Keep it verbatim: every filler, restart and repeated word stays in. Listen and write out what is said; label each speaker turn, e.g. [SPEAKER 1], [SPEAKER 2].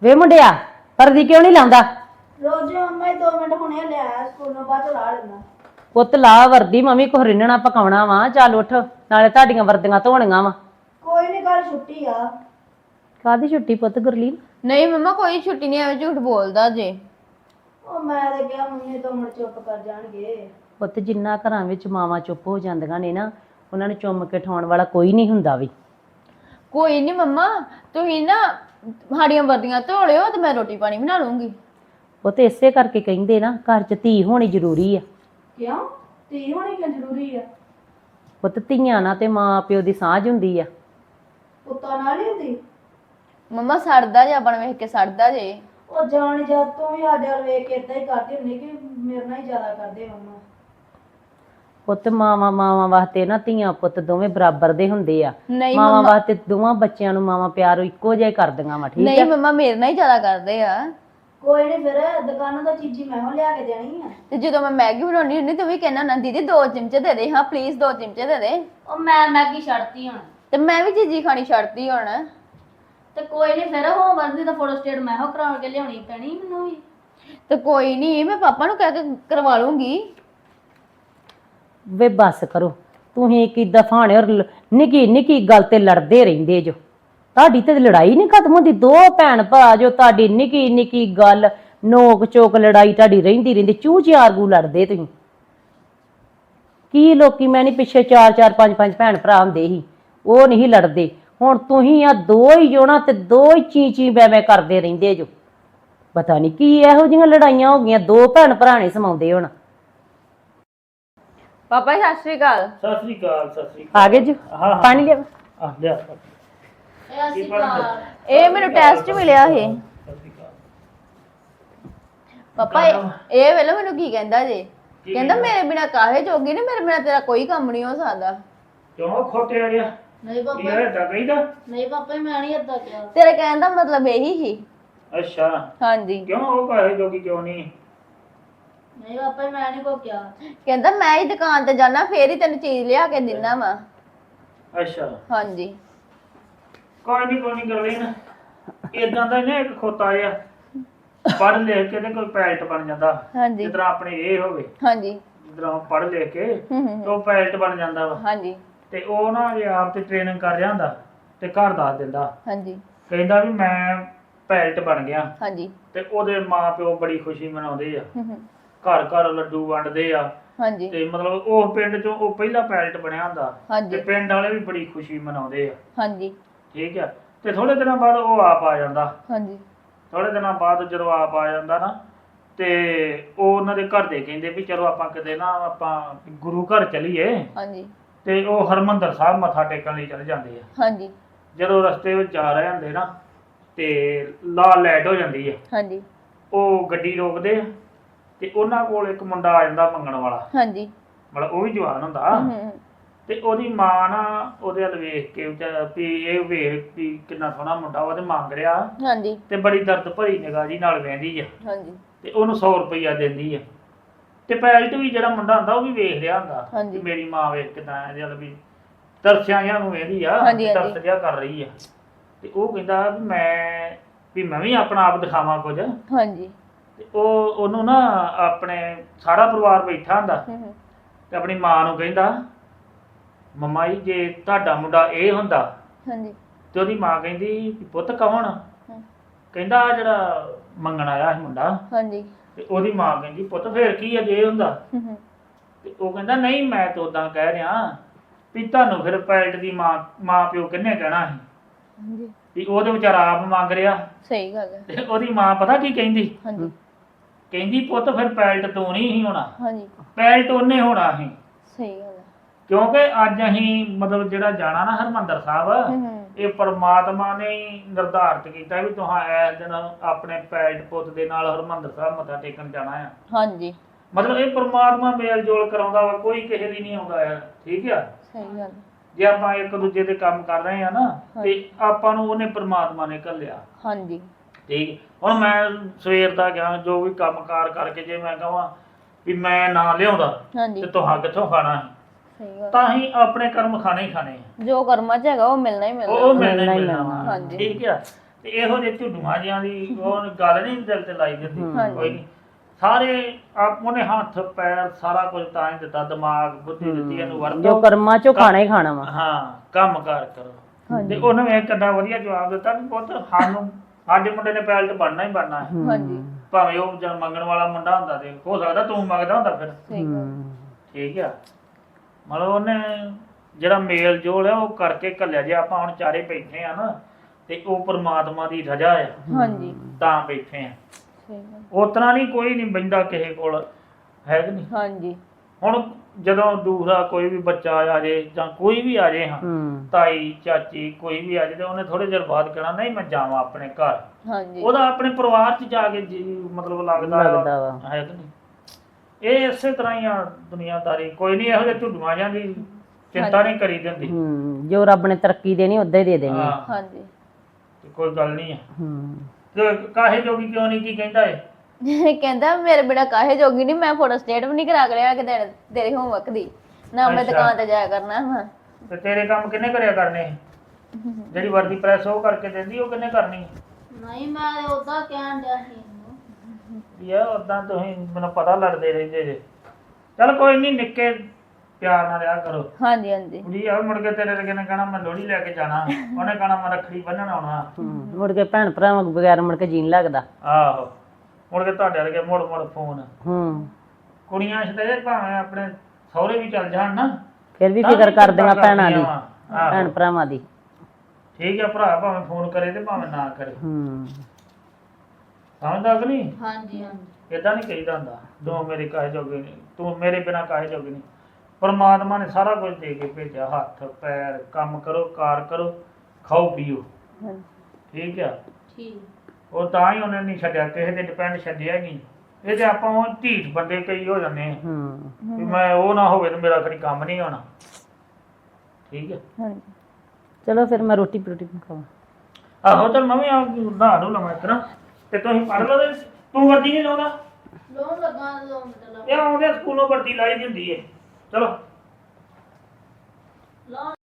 [SPEAKER 1] ਵੇ ਮੁੰਡਿਆ ਵਰਦੀ ਕਿਉਂ ਨਹੀਂ ਲਾਉਂਦਾ?
[SPEAKER 2] ਰੋਜ਼ ਅੰਮਾ ਦੋ ਮਿੰਟ ਹੁਣੇ ਲਿਆ ਸਕੂਲੋਂ ਬਾਅਦ ਲਾ ਲੈਂਦਾ।
[SPEAKER 1] ਪੁੱਤ ਲਾ ਵਰਦੀ, ਮੰਮੀ ਕੋ ਰਿੰਨਣਾ ਪਕਾਉਣਾ ਵਾ। ਚੱਲ ਉੱਠ, ਨਾਲੇ ਤੁਹਾਡੀਆਂ ਵਰਦੀਆਂ ਧੋਣੀਆਂ ਵਾ।
[SPEAKER 2] ਕੋਈ ਨਹੀਂ ਕੱਲ ਛੁੱਟੀ ਆ।
[SPEAKER 1] ਕਾਹਦੀ ਛੁੱਟੀ ਪੁੱਤ ਗੁਰਲੀਨ?
[SPEAKER 3] ਨਹੀਂ ਮੰਮਾ ਕੋਈ ਛੁੱਟੀ ਨਹੀਂ, ਐਵੇਂ ਝੂਠ ਬੋਲਦਾ ਜੇ।
[SPEAKER 2] ਉਹ ਮੈਂ ਤੇ ਕਿਹਾ ਮੰਮੀ ਦੋ ਮਿੰਟ ਚੁੱਪ ਕਰ ਜਾਣਗੇ।
[SPEAKER 1] ਪੁੱਤ ਜਿੰਨਾ ਘਰਾਂ ਵਿੱਚ ਮਾਵਾਂ ਚੁੱਪ ਹੋ ਜਾਂਦੀਆਂ ਨੇ ਨਾ, ਉਹਨਾਂ ਨੂੰ ਚੁੰਮ ਕੇ ਠਾਉਣ ਵਾਲਾ ਕੋਈ ਨਹੀਂ ਹੁੰਦਾ ਵੀ।
[SPEAKER 3] ਕੋਈ ਨਹੀਂ ਮੰਮਾ, ਤੁਸੀਂ ਨਾ ਸਾਡੀਆਂ ਵਰਦੀਆਂ ਧੋ ਲਿਓ ਤੇ ਮੈਂ ਰੋਟੀ ਪਾਣੀ ਬਣਾ ਲੂੰਗੀ।
[SPEAKER 1] ਉਹ ਤੇ ਇਸੇ ਕਰਕੇ ਕਹਿੰਦੇ ਨਾ ਘਰ 'ਚ ਧੀ ਹੋਣੀ ਜ਼ਰੂਰੀ ਆ।
[SPEAKER 2] ਕਿਉਂ ਧੀ ਹੋਣੀ ਕਿਉਂ ਜ਼ਰੂਰੀ ਆ?
[SPEAKER 1] ਪੁੱਤ ਧੀਆਂ ਨਾਲ ਤੇ ਮਾਂ ਪਿਓ ਦੀ ਸਾਂਝ ਹੁੰਦੀ ਆ।
[SPEAKER 2] ਪੁੱਤਾਂ ਨਾਲ ਹੀ ਹੁੰਦੀ।
[SPEAKER 3] ਮੰਮਾ ਸੜਦਾ ਜੇ, ਆਪਣ ਵੇਖ ਕੇ ਸੜਦਾ ਜੇ।
[SPEAKER 2] ਉਹ ਜਾਣ ਜਾ ਤੂੰ ਵੀ ਸਾਡੇ ਵੱਲ ਵੇਖ ਕੇ ਏਦਾਂ ਹੀ ਕਰਦੀ ਹੁੰਦੀ ਕਿ ਮੇਰੇ ਨਾਲ ਹੀ ਜ਼ਿਆਦਾ ਕਰਦੇ ਮੰਮਾ।
[SPEAKER 1] ਪੁੱਤ ਮਾਵਾਂ ਮਾਵਾਂ ਵਾਸਤੇ ਨਾ ਧੀਆਂ ਪੁੱਤ ਦੋਵੇਂ ਬਰਾਬਰ ਦੇ ਹੁੰਦੇ ਆ।
[SPEAKER 3] ਨਹੀਂ
[SPEAKER 1] ਮਾਵਾਂ
[SPEAKER 3] ਮੰਮਾ,
[SPEAKER 1] ਵਾਸਤੇ ਦੋਵਾਂ ਬੱਚਿਆਂ ਨੂੰ ਮਾਵਾਂ ਪਿਆਰ ਇੱਕੋ ਜਿਹਾ ਹੀ ਕਰਦੀਆਂ ਵਾ। ਠੀਕ
[SPEAKER 3] ਨਹੀਂ
[SPEAKER 1] ਹੈ
[SPEAKER 3] ਮੰਮਾ ਮੇਰੇ ਨਾਲ ਹੀ ਜ਼ਿਆਦਾ ਕਰਦੇ ਆ।
[SPEAKER 2] ਕੋਈ ਨਹੀਂ ਫਿਰ ਦੁਕਾਨਾਂ ਤੋਂ ਚੀਜ਼ੀ ਮੈਂ ਹੋ ਲਿਆ ਕੇ ਦੇਣੀ ਆ।
[SPEAKER 3] ਤੇ ਜਦੋਂ ਮੈਂ ਮੈਗੀ ਬਣਾਉਣੀ ਹੁੰਦੀ ਤੂੰ ਵੀ ਕਹਿਣਾ ਨਾ ਦੀਦੀ ਦੋ ਚਮਚੇ ਦੇ ਦੇ, ਹਾਂ ਪਲੀਜ਼ ਦੋ ਚਮਚੇ ਦੇ ਦੇ।
[SPEAKER 2] ਉਹ ਮੈਂ ਮੈਗੀ ਛੱਡਤੀ ਹੁਣ।
[SPEAKER 3] ਤੇ ਮੈਂ ਵੀ ਚੀਜ਼ੀ ਖਾਣੀ ਛੱਡਤੀ ਹੁਣ।
[SPEAKER 2] ਤੇ ਕੋਈ ਨਹੀਂ ਫਿਰ ਹੋਮਵਰਕ ਦੀ ਤਾਂ ਫੋਟੋ ਸਟੇਟ ਮੈਂ ਹੋ ਕਰਾ ਕੇ ਲਿਆਉਣੀ ਪੈਣੀ ਮੈਨੂੰ ਵੀ।
[SPEAKER 3] ਤੇ ਕੋਈ ਨਹੀਂ, ਮੈਂ ਪਾਪਾ ਨੂੰ ਕਹਿ ਕੇ ਕਰਵਾ ਲੂੰਗੀ।
[SPEAKER 1] ਵੇ ਬੱਸ ਕਰੋ, ਤੁਸੀਂ ਕੀ ਦਫਾਣੇ ਔਰ ਨਿੱਕੀ ਨਿੱਕੀ ਗੱਲ ਤੇ ਲੜਦੇ ਰਹਿੰਦੇ ਜੋ। ਤੁਹਾਡੀ ਤੇ ਲੜਾਈ ਨਹੀਂ ਖਤਮ ਹੁੰਦੀ। ਦੋ ਭੈਣ ਭਰਾ ਜੋ, ਤੁਹਾਡੀ ਨਿੱਕੀ ਨਿੱਕੀ ਗੱਲ ਨੋਕ ਚੋਕ ਲੜਾਈ ਤੁਹਾਡੀ ਰਹਿੰਦੀ ਰਹਿੰਦੀ। ਚੂਹ ਚਾਰਗੂ ਲੜਦੇ ਤੁਸੀਂ। ਕੀ ਲੋਕੀ ਮੈਂ ਨਹੀਂ ਪਿੱਛੇ ਚਾਰ ਚਾਰ ਪੰਜ ਪੰਜ ਭੈਣ ਭਰਾ ਹੁੰਦੇ ਸੀ, ਉਹ ਨਹੀਂ ਲੜਦੇ। ਹੁਣ ਤੁਸੀਂ ਆ ਦੋ ਹੀ ਜੋਣਾ ਤੇ ਦੋ ਹੀ ਚੀ ਚੀ ਬੈ ਬੈ ਕਰਦੇ ਰਹਿੰਦੇ ਜੋ। ਪਤਾ ਨਹੀਂ ਕੀ ਇਹੋ ਜਿਹੀਆਂ ਲੜਾਈਆਂ ਹੋ ਗਈਆਂ, ਦੋ ਭੈਣ ਭਰਾ ਨਹੀਂ ਸਮਾਉਂਦੇ ਹੁਣ।
[SPEAKER 3] ਪਾਪਾ ਜੀ ਸਤਿ ਸ਼੍ਰੀ ਅਕਾਲ।
[SPEAKER 4] ਸਤਿ ਸ੍ਰੀ ਅਕਾਲ। ਸਤਿ ਸ੍ਰੀ ਅਕਾਲ।
[SPEAKER 1] ਆ ਗਏ ਜੀ?
[SPEAKER 4] ਹਾਂ ਹਾਂ
[SPEAKER 1] ਪਾਣੀ ਲਿਆ।
[SPEAKER 4] ਆ ਲਿਆ।
[SPEAKER 2] ਇਹ ਅਸੀਂ ਘਰ
[SPEAKER 3] ਇਹ ਮੈਨੂੰ ਟੈਸਟ ਮਿਲਿਆ ਸੀ
[SPEAKER 4] ਸਤਿ ਸ੍ਰੀ ਅਕਾਲ।
[SPEAKER 3] ਪਾਪਾ ਇਹ- ਇਹ ਵੇਲੋ ਮੈਨੂੰ ਕੀ ਕਹਿੰਦਾ ਜੇ? ਕਹਿੰਦਾ ਮੇਰੇ ਬਿਨਾ ਕਾਹੇ ਜੋਗੀ ਨੇ, ਮੇਰੇ ਬਿਨਾ ਤੇਰਾ ਕੋਈ ਕੰਮ ਨਹੀਂ ਹੋ ਸਕਦਾ।
[SPEAKER 4] ਕਿਉਂ ਖੋਟੇ ਆ ਗਿਆ?
[SPEAKER 2] ਨਹੀਂ
[SPEAKER 4] ਕੀ
[SPEAKER 2] ਪਾਪਾ,
[SPEAKER 4] ਹੈ ਤਾਂ ਕਹੀਦਾ?
[SPEAKER 2] ਨਹੀਂ ਪਾਪਾ ਮੈਂ ਨਹੀਂ ਏਦਾਂ ਕਿਹਾ।
[SPEAKER 3] ਤੇਰੇ ਕਹਿਣ ਦਾ ਮਤਲਬ ਇਹੀ ਸੀ।
[SPEAKER 4] ਅੱਛਾ,
[SPEAKER 3] ਹਾਂਜੀ,
[SPEAKER 4] ਕਿਉਂ ਉਹ ਕਹੇ ਜੋਗੀ ਕਿਉਂ ਨਹੀਂ?
[SPEAKER 2] ਨਹੀਂ ਪਾਪਾ ਮੈਂ ਨਹੀਂ ਕੋ ਕਿਹਾ।
[SPEAKER 3] ਕਹਿੰਦਾ ਮੈਂ ਹੀ ਦੁਕਾਨ ਤੇ ਜਾਣਾ ਫੇਰ ਹੀ ਤੈਨੂੰ ਚੀਜ਼ ਲਿਆ ਕੇ ਦਿੰਦਾ ਵਾ।
[SPEAKER 4] ਅੱਛਾ,
[SPEAKER 3] ਹਾਂਜੀ
[SPEAKER 4] ਕੋਈ ਨਹੀਂ ਕੋਈ ਨਹੀਂ ਕਰ ਲੈਣਾ। ਇਦਾਂ ਦਾ ਨਾ ਇੱਕ ਖੋਤਾ ਆ, ਪੜ੍ਹ ਲਿਖ ਕੇ ਤੇ ਕੋਈ ਪੈਲਟ ਬਣ ਜਾਂਦਾ।
[SPEAKER 3] ਹਾਂਜੀ
[SPEAKER 4] ਜਿਸ ਤਰ੍ਹਾਂ ਆਪਣੇ ਇਹ ਹੋਵੇ,
[SPEAKER 3] ਹਾਂਜੀ
[SPEAKER 4] ਜਿਸ ਤਰ੍ਹਾਂ ਪੜ੍ਹ ਲਿਖ ਕੇ
[SPEAKER 3] ਹੂੰ ਹੂੰ
[SPEAKER 4] ਤੇ ਉਹ ਪੈਲਟ ਬਣ ਜਾਂਦਾ ਵਾ।
[SPEAKER 3] ਹਾਂਜੀ
[SPEAKER 4] ਤੇ ਉਹ ਨਾ ਜੇ ਆਪ ਤੇ ਟ੍ਰੇਨਿੰਗ ਕਰ ਰਿਹਾ ਹੁੰਦਾ ਤੇ ਘਰ ਦੱਸ ਦਿੰਦਾ,
[SPEAKER 3] ਹਾਂਜੀ
[SPEAKER 4] ਕਹਿੰਦਾ ਵੀ ਮੈਂ ਪੈਲਟ ਬਣ ਗਿਆ।
[SPEAKER 3] ਹਾਂਜੀ
[SPEAKER 4] ਤੇ ਉਹਦੇ ਮਾਂ ਪਿਓ ਬੜੀ ਖੁਸ਼ੀ ਮਨਾਉਂਦੇ ਆ,
[SPEAKER 3] ਹੂੰ ਹੂੰ
[SPEAKER 4] ਘਰ ਘਰ ਲੱਡੂ ਵੰਡਦੇ ਆ।
[SPEAKER 3] ਹਾਂਜੀ
[SPEAKER 4] ਤੇ ਮਤਲਬ ਉਹ ਪਿੰਡ ਚੋਂ ਉਹ ਪਹਿਲਾ ਪੈਲਟ ਬਣਿਆ ਹੁੰਦਾ ਤੇ
[SPEAKER 3] ਹਾਂਜੀ
[SPEAKER 4] ਪਿੰਡ ਵਾਲੇ ਵੀ ਬੜੀ ਖੁਸ਼ੀ ਮਨਾਉਂਦੇ ਆ।
[SPEAKER 3] ਹਾਂਜੀ
[SPEAKER 4] ਠੀਕ ਆ। ਤੇ ਥੋੜੇ ਦਿਨਾਂ ਬਾਅਦ ਉਹ ਆਪ ਆ ਜਾਂਦਾ।
[SPEAKER 3] ਹਾਂਜੀ
[SPEAKER 4] ਥੋੜੇ ਦਿਨਾਂ ਬਾਅਦ ਜਦੋਂ ਆਪ ਆ ਜਾਂਦਾ ਨਾ, ਤੇ ਉਹ ਉਹਨਾਂ ਦੇ ਘਰ ਦੇ ਕਹਿੰਦੇ ਵੀ ਚਲੋ ਆਪਾਂ ਕਿਤੇ ਨਾ ਆਪਾਂ ਗੁਰੂ ਘਰ ਚਲੀਏ।
[SPEAKER 3] ਹਾਂਜੀ
[SPEAKER 4] ਤੇ ਉਹ ਹਰਮੰਦਰ ਸਾਹਿਬ ਮੱਥਾ ਟੇਕਣ ਲਈ ਚਲੇ ਜਾਂਦੇ ਆ।
[SPEAKER 3] ਹਾਂਜੀ
[SPEAKER 4] ਜਦੋਂ ਰਸਤੇ ਵਿੱਚ ਜਾ ਰਹੇ ਹੁੰਦੇ ਨਾ, ਤੇ ਲਾਲ ਲਾਈਟ ਹੋ ਜਾਂਦੀ ਹੈ।
[SPEAKER 3] ਹਾਂਜੀ
[SPEAKER 4] ਉਹ ਗੱਡੀ ਰੋਕਦੇ ਆ ਤੇ ਉਹਨਾਂ ਕੋਲ ਇੱਕ ਮੁੰਡਾ ਆ ਜਾਂਦਾ ਮੰਗਣ ਵਾਲਾ,
[SPEAKER 3] ਹਾਂਜੀ
[SPEAKER 4] ਮਤਲਬ ਉਹ ਵੀ ਜਵਾਨ ਹੁੰਦਾ।
[SPEAKER 3] ਹੂੰ ਹੂੰ
[SPEAKER 4] ਤੇ ਉਹਦੀ ਮਾਂ ਨਾ ਉਹਦੇ ਵੱਲ ਵੇਖ ਕੇ ਵਿਚਾਰਾ ਵੀ ਇਹ ਵੇਖ ਵੀ ਕਿੰਨਾ ਸੋਹਣਾ ਮੁੰਡਾ ਵਾ ਤੇ ਮੰਗ ਰਿਹਾ,
[SPEAKER 3] ਹਾਂਜੀ
[SPEAKER 4] ਤੇ ਬੜੀ ਦਰਦ ਭਰੀ ਨਿਗਾਹ ਜੀ ਨਾਲ ਵੇਂਦੀ ਆ
[SPEAKER 3] ਹਾਂਜੀ
[SPEAKER 4] ਤੇ ਉਹਨੂੰ ਸੌ ਰੁਪਈਆ ਦਿੰਦੀ ਆ। ਤੇ ਪੈਲਟ ਵੀ ਜਿਹੜਾ ਮੁੰਡਾ ਹੁੰਦਾ ਉਹ ਵੀ ਵੇਖ ਰਿਹਾ ਹੁੰਦਾ
[SPEAKER 3] ਹਾਂਜੀ।
[SPEAKER 4] ਕਿ ਮੇਰੀ ਮਾਂ ਵੇਖ ਕਿਦਾਂ ਜਦ ਵੀ ਤਰਸਿਆਂ ਜਿਹਾ ਨੂੰ ਵੇਂਦੀ ਆ,
[SPEAKER 3] ਹਾਂਜੀ,
[SPEAKER 4] ਤਰਸ
[SPEAKER 3] ਹਾਂਜੀ।
[SPEAKER 4] ਜਿਹਾ ਕਰ ਰਹੀ ਆ। ਤੇ ਉਹ ਕਹਿੰਦਾ ਵੀ ਮੈਂ ਵੀ ਮੈਂ ਵੀ ਆਪਣਾ ਆਪ ਦਿਖਾਵਾਂ ਕੁਝ।
[SPEAKER 3] ਹਾਂਜੀ
[SPEAKER 4] ਤੇ ਉਹ ਉਹਨੂੰ ਨਾ ਆਪਣੇ ਸਾਰਾ ਪਰਿਵਾਰ ਬੈਠਾ ਹੁੰਦਾ
[SPEAKER 3] ਹੂੰ ਹੂੰ
[SPEAKER 4] ਤੇ ਆਪਣੀ ਮਾਂ ਨੂੰ ਕਹਿੰਦਾ, ਮੰਮਾ ਜੀ ਜੇ ਤੁਹਾਡਾ ਮੁੰਡਾ ਇਹ ਹੁੰਦਾ।
[SPEAKER 3] ਹਾਂਜੀ
[SPEAKER 4] ਤੇ ਉਹਦੀ ਮਾਂ ਕਹਿੰਦੀ ਵੀ ਪੁੱਤ ਕੌਣ?
[SPEAKER 3] ਹੂੰ
[SPEAKER 4] ਕਹਿੰਦਾ ਆਹ ਜਿਹੜਾ ਮੰਗਣ ਆਇਆ ਸੀ ਮੁੰਡਾ।
[SPEAKER 3] ਹਾਂਜੀ
[SPEAKER 4] ਤੇ ਉਹਦੀ ਮਾਂ ਕਹਿੰਦੀ ਪੁੱਤ ਫੇਰ ਕੀ ਆ ਜੇ ਇਹ ਹੁੰਦਾ?
[SPEAKER 3] ਹੂੰ ਹੂੰ
[SPEAKER 4] ਤੇ ਉਹ ਕਹਿੰਦਾ ਨਹੀਂ ਮੈਂ ਤਾਂ ਉਦਾਂ ਕਹਿ ਰਿਹਾ ਵੀ ਤੁਹਾਨੂੰ ਫਿਰ ਪੈਲਟ ਦੀ ਮਾਂ ਮਾਂ ਪਿਓ ਕਿੰਨੇ ਕਹਿਣਾ ਸੀ
[SPEAKER 3] ਹਾਂਜੀ
[SPEAKER 4] ਵੀ ਉਹਦੇ ਵਿਚਾਰਾ ਆਪ ਮੰਗ ਰਿਹਾ।
[SPEAKER 3] ਸਹੀ ਗੱਲ ਹੈ।
[SPEAKER 4] ਤੇ ਉਹਦੀ ਮਾਂ ਪਤਾ ਕੀ ਕਹਿੰਦੀ?
[SPEAKER 3] ਹਾਂਜੀ
[SPEAKER 4] ਕਹਿੰਦੀ ਪੁੱਤ ਫਿਰ ਪੈਲਟ ਤੂੰ ਨਹੀਂ ਸੀ ਹੋਣਾ,
[SPEAKER 3] ਹਾਂਜੀ
[SPEAKER 4] ਪੈਲਟ ਉਹਨੇ ਹੋਣਾ ਸੀ।
[SPEAKER 3] ਸਹੀ ਗੱਲ ਹੈ।
[SPEAKER 4] ਕਿਉਂਕਿ ਅੱਜ ਅਸੀਂ ਮਤਲਬ ਜਿਹੜਾ ਜਾਣਾ ਨਾ ਹਰਿਮੰਦਰ
[SPEAKER 3] ਹੂੰ
[SPEAKER 4] ਸਾਹਿਬ,
[SPEAKER 3] ਹੂੰ
[SPEAKER 4] ਇਹ ਪਰਮਾਤਮਾ ਨੇ ਹੀ ਨਿਰਧਾਰਿਤ ਕੀਤਾ ਵੀ ਤੁਹਾਂ ਇਸ ਦਿਨ ਆਪਣੇ ਪੈਲਟ ਪੁੱਤ ਦੇ ਨਾਲ ਹਰਿਮੰਦਰ ਸਾਹਿਬ ਮੱਥਾ ਟੇਕਣ ਜਾਣਾ ਆ।
[SPEAKER 3] ਹਾਂਜੀ
[SPEAKER 4] ਮਤਲਬ ਇਹ ਪਰਮਾਤਮਾ ਮੇਲ ਜੋਲ ਕਰਾਉਂਦਾ ਵਾ, ਕੋਈ ਕਿਸੇ ਦੀ ਨਹੀਂ ਆਉਂਦਾ ਹੈ। ਠੀਕ ਆ।
[SPEAKER 3] ਸਹੀ ਗੱਲ
[SPEAKER 4] ਜੇ ਆਪਾਂ ਇੱਕ ਦੂਜੇ ਦੇ ਕੰਮ ਕਰ ਰਹੇ ਆ ਨਾ, ਤੇ ਆਪਾਂ ਨੂੰ ਉਹਨੇ ਪਰਮਾਤਮਾ ਨੇ ਘੱਲਿਆ।
[SPEAKER 3] ਹਾਂਜੀ
[SPEAKER 4] ਠੀਕ। ਹੁਣ ਮੈਂ ਸਵੇਰ ਦਾ ਗਿਆ ਜੋ ਵੀ ਕੰਮ ਕਾਰ ਕਰਕੇ, ਜੇ ਮੈਂ ਕਹਾਂ ਵੀ ਮੈਂ ਨਾ ਲਿਆਉਂਦਾ
[SPEAKER 3] ਹਾਂਜੀ
[SPEAKER 4] ਤੇ ਤੁਹਾਂ ਕਿੱਥੋਂ ਖਾਣਾ ਹੈ?
[SPEAKER 3] ਸਹੀ ਗੱਲ।
[SPEAKER 4] ਤਾਂ ਹੀ ਆਪਣੇ ਕਰਮ ਖਾਣੇ ਹੀ ਖਾਣੇ ਆ।
[SPEAKER 3] ਜੋ ਕਰਮਾਂ ਚ ਹੈਗਾ ਉਹ ਮਿਲਣਾ ਹੀ ਮਿਲਣਾ।
[SPEAKER 4] ਉਹ ਮਿਲਣਾ ਹੀ
[SPEAKER 1] ਮਿਲਣਾ ਹੀ
[SPEAKER 4] ਮਿਲਣਾ
[SPEAKER 1] ਮਿਲਣਾ।
[SPEAKER 4] ਵਾ।
[SPEAKER 3] ਹਾਂਜੀ।
[SPEAKER 4] ਠੀਕ ਆ। ਤੇ ਇਹੋ ਜਿਹੇ ਝੁੱਡੂਆਂ ਜਿਹਾਂ ਦੀ ਉਹ ਗੱਲ ਨਹੀਂ ਦਿਲ ਤੇ ਲਾਈ ਦਿੰਦੀ ਕੋਈ ਨਹੀਂ ਸਾਰੇ ਆਪ ਉਹਨੇ ਹੱਥ ਪੈਰ ਸਾਰਾ ਕੁਝ ਤਾਂ ਹੀ ਦਿੱਤਾ ਦਿਮਾਗ ਬੁੱਧੀ ਦਿੱਤੀ ਇਹਨੂੰ
[SPEAKER 1] ਜੋ
[SPEAKER 4] ਵਰਤੋ
[SPEAKER 1] ਕਰਮਾਂ ਚੋਂ ਖਾਣਾ ਹੀ ਖਾਣਾ ਵਾ
[SPEAKER 4] ਹਾਂ ਕੰਮ ਕਾਰ ਕਰੋ ਤੇ ਉਹਨੇ ਇੱਕ ਕਿੰਨਾ ਵਧੀਆ ਜਵਾਬ ਦਿੱਤਾ ਵੀ ਪੁੱਤ ਸਾਨੂੰ ਸਾਡੇ ਮੁੰਡੇ ਨੇ ਪੈਲਟ ਬਣਨਾ ਹੀ ਬਣਨਾ ਹੈ
[SPEAKER 3] ਹਾਂਜੀ
[SPEAKER 4] ਭਾਵੇਂ ਉਹ ਜਨ ਮੰਗਣ ਵਾਲਾ ਮੁੰਡਾ ਹੁੰਦਾ ਤੇ ਹੋ ਸਕਦਾ ਤੂੰ ਮੰਗਦਾ ਹੁੰਦਾ ਫਿਰ
[SPEAKER 3] ਸਹੀ ਗੱਲ
[SPEAKER 4] ਠੀਕ ਆ ਮਤਲਬ ਉਹਨੇ ਜਿਹੜਾ ਮੇਲ ਜੋਲ ਹੈ ਉਹ ਕਰਕੇ ਘੱਲਿਆ ਜੇ ਆਪਾਂ ਹੁਣ ਚਾਰੇ ਬੈਠੇ ਆ ਨਾ ਤੇ ਉਹ ਪ੍ਰਮਾਤਮਾ ਦੀ ਰਜ਼ਾ ਆ
[SPEAKER 3] ਹਾਂਜੀ
[SPEAKER 4] ਤਾਂ ਬੈਠੇ ਆ
[SPEAKER 3] ਸਹੀ ਗੱਲ
[SPEAKER 4] ਉਤਨਾ ਨਹੀਂ ਕੋਈ ਨਹੀਂ ਬੈਂਦਾ ਕਿਸੇ ਕੋਲ ਹੈ ਕਿ ਨਹੀਂ
[SPEAKER 3] ਹਾਂਜੀ
[SPEAKER 4] ਹੁਣ ਜਦੋਂ ਦੂਸਰਾ ਕੋਈ ਵੀ ਬੱਚਾ ਆ ਜੇ ਜਾਂ ਕੋਈ ਵੀ ਆ ਜੇ ਹਾਂ
[SPEAKER 1] ਹੂੰ
[SPEAKER 4] ਤਾਈ ਚਾਚੀ ਕੋਈ ਵੀ ਆ ਜੇ ਤੇ ਉਹਨੇ ਥੋੜੇ ਚਿਰ ਬਾਅਦ ਕਹਿਣਾ ਨਹੀਂ ਮੈਂ ਜਾਵਾਂ ਆਪਣੇ ਘਰ
[SPEAKER 3] ਹਾਂਜੀ
[SPEAKER 4] ਉਹਦਾ ਆਪਣੇ ਪਰਿਵਾਰ 'ਚ ਜਾ ਕੇ ਜੀ ਮਤਲਬ ਲੱਗਦਾ
[SPEAKER 1] ਲੱਗਦਾ ਵਾ
[SPEAKER 4] ਹੈ ਕਿ ਨਹੀਂ ਇਹ ਇਸੇ ਤਰ੍ਹਾਂ ਹੀ ਆ ਦੁਨੀਆਦਾਰੀ ਕੋਈ ਨਹੀਂ ਇਹੋ ਜਿਹੇ ਝੁੱਡੂਆਂ ਜਾਂ ਦੀ ਚਿੰਤਾ ਨਹੀਂ ਕਰੀ ਦਿੰਦੀ
[SPEAKER 1] ਹੂੰ ਜੋ ਰੱਬ ਨੇ ਤਰੱਕੀ ਦੇਣੀ ਉਦਾਂ ਹੀ ਦੇ ਦੇਣੀ
[SPEAKER 4] ਹਾਂ
[SPEAKER 3] ਹਾਂਜੀ
[SPEAKER 4] ਤੇ ਕੋਈ ਗੱਲ ਨਹੀਂ ਹੈ
[SPEAKER 1] ਹੂੰ
[SPEAKER 4] ਤੇ ਕਾਹੇ ਜੋਗੀ ਕਿਉਂ ਨਹੀਂ ਕੀ ਕਹਿੰਦਾ ਏ
[SPEAKER 3] ਕਹਿੰਦਾ ਮੇਰੇ ਬਿਨਾ ਕਾਹੇ ਜੋਗੀ ਨਹੀਂ ਮੈਂ ਫੋਟੋ ਸਟੇਟ ਵੀ ਨਹੀਂ ਕਰਾ ਕੇ ਲਿਆ ਕਿ ਤੇਰੇ ਤੇਰੇ ਹੋਮਵਰਕ ਦੀ ਨਾ ਮੈਂ
[SPEAKER 4] ਅੱਛਾ।
[SPEAKER 3] ਦੁਕਾਨ ਤੇ ਜਾਇਆ ਕਰਨਾ ਵਾ
[SPEAKER 4] ਤੇ ਤੇਰੇ ਕੰਮ ਕਿੰਨੇ ਕਰਿਆ ਕਰਨੇ ਜਿਹੜੀ ਵਰਦੀ ਪ੍ਰੈਸ ਉਹ ਕਰਕੇ ਦਿੰਦੀ ਉਹ ਕਿੰਨੇ ਕਰਨੀ
[SPEAKER 2] ਨਹੀਂ ਮੈਂ ਉਦਾਂ ਕਹਿਣ ਡਿਆ ਸੀ ਇਹਨੂੰ।
[SPEAKER 4] ਯਾਰ ਉਦਾਂ ਤੁਸੀਂ ਮੈਨੂੰ ਪਤਾ ਲੜਦੇ ਰਹਿੰਦੇ ਜੇ ਚਲ ਕੋਈ ਨਹੀਂ ਨਿੱਕੇ ਪਿਆਰ ਨਾਲ ਰਿਹਾ ਕਰੋ
[SPEAKER 3] ਹਾਂਜੀ ਹਾਂਜੀ
[SPEAKER 4] ਕੁੜੀ ਆ ਮੁੜ ਕੇ ਤੇਰੇ ਲੱਗੇ ਨੇ ਕਹਿਣਾ ਮੈਂ ਲੋਹੜੀ ਲੈ ਕੇ ਜਾਣਾ ਉਹਨੇ ਕਹਿਣਾ ਮੈਂ ਰੱਖੜੀ ਬੰਨਣ ਆਉਣਾ
[SPEAKER 1] ਹੂੰ ਮੁੜ ਕੇ ਭੈਣ ਭਰਾਵਾਂ ਬਗੈਰ ਮੁੜ ਕੇ ਜੀਣ ਲੱਗਦਾ
[SPEAKER 4] ਆਹੋ ਮੁੜ ਕੇ ਤੁਹਾਡੇ ਵਰਗੇ ਮੁੜ ਮੁੜ ਫੋਨ
[SPEAKER 1] ਹੂੰ
[SPEAKER 4] ਕੁੜੀਆਂ ਛਦੇ ਭਾਵੇਂ ਆਪਣੇ ਸਹੁਰੇ ਵੀ ਚੱਲ ਜਾਣ ਨਾ
[SPEAKER 1] ਫਿਰ ਵੀ
[SPEAKER 4] ਤਾਂ
[SPEAKER 1] ਫਿਕਰ
[SPEAKER 4] ਵੀ
[SPEAKER 1] ਕਰਦੀਆਂ
[SPEAKER 4] ਚਿੰਤਾ
[SPEAKER 1] ਭੈਣਾਂ ਦੀ
[SPEAKER 4] ਵਾਂ। ਆਹੋ।
[SPEAKER 1] ਭੈਣ ਭਰਾਵਾਂ ਦੀ
[SPEAKER 4] ਠੀਕ ਹੈ ਭਰਾ ਭਾਵੇਂ ਫੋਨ ਕਰੇ ਤੇ ਭਾਵੇਂ ਨਾ ਕਰੇ
[SPEAKER 1] ਹੂੰ
[SPEAKER 4] ਸਮਝਦਾ ਕਿ ਨਹੀਂ
[SPEAKER 2] ਹਾਂਜੀ ਹਾਂਜੀ
[SPEAKER 4] ਏਦਾਂ ਨਹੀਂ ਕਹੀਦਾ ਹੁੰਦਾ ਤੂੰ ਮੇਰੇ ਕਾਹੇ ਜੋਗੇ ਨਹੀਂ ਤੂੰ ਮੇਰੇ ਬਿਨਾ ਕਾਹੇ ਜੋਗੇ ਨਹੀਂ ਪਰਮਾਤਮਾ ਨੇ ਸਾਰਾ ਕੁਝ ਦੇ ਕੇ ਭੇਜਿਆ ਹੱਥ ਪੈਰ ਕੰਮ ਕਰੋ ਕਾਰ ਕਰੋ ਖਾਓ ਪੀਓ
[SPEAKER 3] ਹਾਂਜੀ
[SPEAKER 4] ਠੀਕ ਆ
[SPEAKER 2] ਠੀਕ
[SPEAKER 4] ਉਹ ਤਾਂ ਹੀ ਉਹਨੇ ਨਹੀਂ ਛੱਡਿਆ ਕਿਸੇ ਤੇ ਡਿਪੈਂਡ ਛੱਡਿਆ ਹੀ ਨਹੀਂ ਇਹ ਤੇ ਆਪਾਂ ਉਹ ਢੀਠ ਬੰਦੇ ਕਈ ਹੋ ਜਾਂਦੇ ਆ
[SPEAKER 1] ਹੂੰ
[SPEAKER 4] ਵੀ ਮੈਂ ਉਹ ਨਾ ਹੋਵੇ ਤੇ ਮੇਰਾ ਕਦੀ ਕੰਮ ਨਹੀਂ ਹੋਣਾ ਠੀਕ ਹੈ
[SPEAKER 3] ਹਾਂਜੀ
[SPEAKER 1] ਚਲੋ ਫਿਰ ਮੈਂ ਰੋਟੀ ਰੋਟੀ ਖਾਵਾਂ
[SPEAKER 4] ਆਹੋ ਚਲ ਮੈਂ ਵੀ ਆ ਨਹਾ ਲੂ ਲਵਾਂ ਇਤਨਾ ਤੇ ਤੁਸੀਂ ਪੜ ਲਓ ਤੇ ਤੂੰ ਵਰਦੀ ਨਹੀਂ ਲਾਉਂਦਾ
[SPEAKER 2] ਲੋਨ ਲੱਗਾ ਲੋਨ ਮਤਲਬ
[SPEAKER 4] ਇਹ ਆਉਂਦੇ ਸਕੂਲੋਂ ਵਰਦੀ ਲਾਈ ਦੀ ਹੁੰਦੀ ਹੈ ਚਲੋ
[SPEAKER 2] ਲੋਨ